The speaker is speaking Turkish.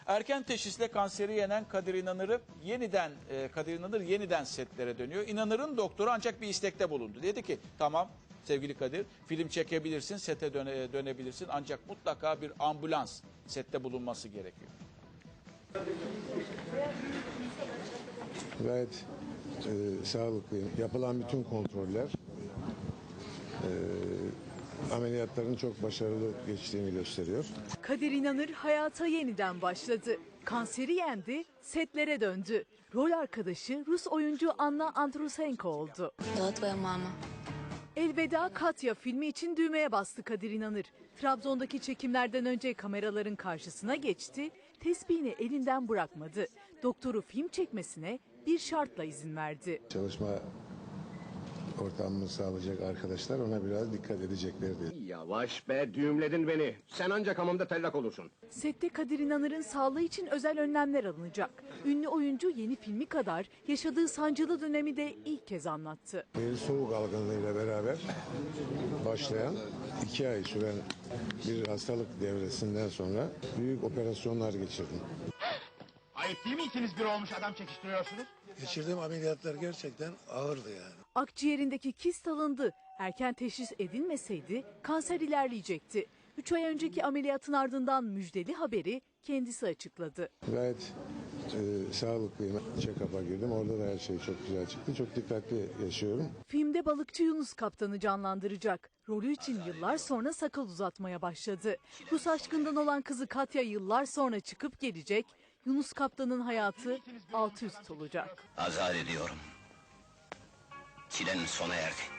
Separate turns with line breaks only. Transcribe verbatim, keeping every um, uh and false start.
Erken teşhisle kanseri yenen Kadir İnanır'ı yeniden e, Kadir İnanır yeniden setlere dönüyor. İnanır'ın doktoru ancak bir istekte bulundu. Dedi ki tamam sevgili Kadir, film çekebilirsin, sete döne, dönebilirsin ancak mutlaka bir ambulans sette bulunması gerekiyor.
Gayet e, sağlıklıyım. Yapılan bütün kontroller e, ameliyatların çok başarılı geçtiğini gösteriyor.
Kadir İnanır hayata yeniden başladı. Kanseri yendi, setlere döndü. Rol arkadaşı Rus oyuncu Anna Andrusenko oldu.
Я твоя mama.
Elveda Katya filmi için düğmeye bastı Kadir İnanır. Trabzon'daki çekimlerden önce kameraların karşısına geçti, tesbihini elinden bırakmadı. Doktoru film çekmesine bir şartla izin verdi.
Çalışma ortamını sağlayacak arkadaşlar ona biraz dikkat edeceklerdi.
Yavaş be, düğümledin beni. Sen ancak hamamda tellak olursun.
Sette Kadir İnanır'ın sağlığı için özel önlemler alınacak. Ünlü oyuncu yeni filmi kadar yaşadığı sancılı dönemi de ilk kez anlattı.
Bir soğuk algınlığıyla beraber başlayan iki ay süren bir hastalık devresinden sonra büyük operasyonlar geçirdim.
Ayıp değil mi ikiniz bir olmuş adam çekiştiriyorsunuz?
Geçirdiğim ameliyatlar gerçekten ağırdı yani.
Akciğerindeki kist alındı. Erken teşhis edilmeseydi kanser ilerleyecekti. Üç ay önceki ameliyatın ardından müjdeli haberi kendisi açıkladı.
Gayet e, sağlıklıyım. Check-up'a girdim. Orada da her şey çok güzel çıktı. Çok dikkatli yaşıyorum.
Filmde balıkçı Yunus Kaptan'ı canlandıracak. Rolü için yıllar sonra sakal uzatmaya başladı. Rus aşkından olan kızı Katya yıllar sonra çıkıp gelecek. Yunus Kaptan'ın hayatı alt üst olacak.
Azar ediyorum. Çilen sona erdi.